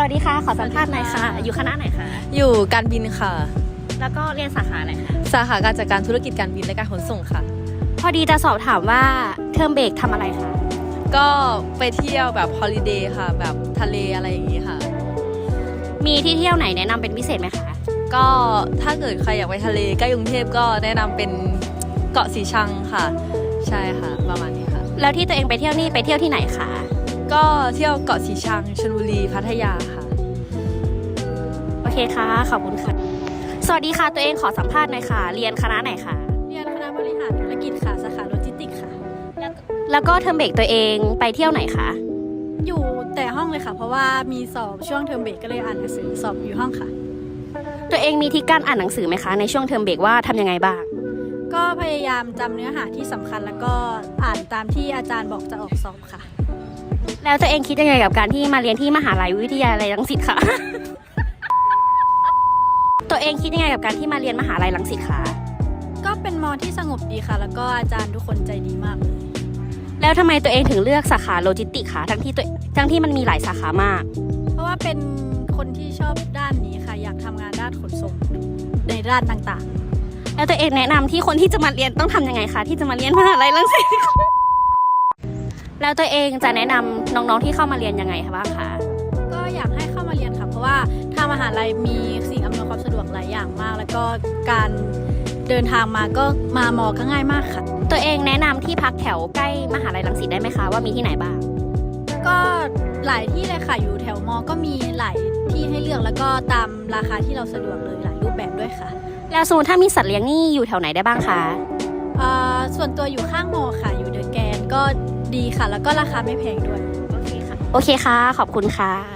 วัสดีค่ะขอสัมภาษณ์หน่อยค่ะอยู่คณะไหนคะอยู่การบินค่ะแล้วก็เรียนสาขาอะไรคะสาขาการจัดการธุรกิจการบินและการขนส่งค่ะพอดีจะสอบถามว่าเทอมเบรกทำอะไรคะก็ไปเที่ยวแบบฮอลิเดย์ค่ะแบบทะเลอะไรอย่างนี้ค่ะมีที่เที่ยวไหนแนะนำเป็นพิเศษไหมคะก็ถ้าเกิดใครอยากไปทะเลใกล้กรุงเทพก็แนะนำเป็นเกาะสีชังค่ะใช่ค่ะประมาณนี้ค่ะแล้วที่ตัวเองไปเที่ยวนี่ไปเที่ยวที่ไหนคะก็เที่ยวเกาะสีชังชลบุรีพัทยาค่ะโอเคค่ะขอบคุณค่ะสวัสดีค่ะตัวเองขอสัมภาษณ์หน่อยค่ะเรียนคณะไหนคะเรียนคณะบริหารธุรกิจค่ะสาขาโลจิสติกส์ค่ะแล้วก็เทอมเบรกตัวเองไปเที่ยวไหนคะอยู่แต่ห้องเลยค่ะเพราะว่ามีสอบช่วงเทอมเบรกก็เลยอ่านหนังสือสอบอยู่ห้องค่ะตัวเองมีที่การอ่านหนังสือไหมคะในช่วงเทอมเบรกว่าทำยังไงบ้างก็พยายามจำเนื้อหาที่สำคัญแล้วก็อ่านตามที่อาจารย์บอกจะออกสอบค่ะแล้วตัวเองคิดยังไงกับการที่มาเรียนที่มหาลัยวิทยาลัยรังสิตคะ ตัวเองคิดยังไงกับการที่มาเรียนมหาลัยรังสิตคะก็เป็นมอที่สงบดีค่ะแล้วก็อาจารย์ทุกคนใจดีมากเลยแล้วทำไมตัวเองถึงเลือกสาขาโลจิสติกส์คะทั้งที่มันมีหลายสาขามากเพราะว่าเป็นคนที่ชอบด้านนี้ค่ะอยากทำงานด้านขนส่งในด้านต่างๆแล้วตัวเองแนะนำที่คนที่จะมาเรียนต้องทำยังไงคะที่จะมาเรียนมหาลัยรังสิต แล้วตัวเองจะแนะนำน้องๆที่เข้ามาเรียนยังไงคะบ้างคะก็อยากให้เข้ามาเรียนค่ะเพราะว่าทางมหาลัยมีสิ่งอำนวยความสะดวกหลายอย่างมากแล้วก็การเดินทางมาก็มามอก็ง่ายมากค่ะตัวเองแนะนำที่พักแถวใกล้มหาลัยรังสิตได้ไหมคะว่ามีที่ไหนบ้างก็หลายที่เลยค่ะอยู่แถวมอก็มีหลายที่ให้เลือกแล้วก็ตามราคาที่เราสะดวกเลยหลายรูปแบบด้วยค่ะแล้วสมมติถ้ามีสัตว์เลี้ยงนี่อยู่แถวไหนได้บ้างคะส่วนตัวอยู่ข้างมอค่ะอยู่เดอะแกรนด์ก็ดีค่ะแล้วก็ราคาไม่แพงด้วยโอเคค่ะขอบคุณค่ะ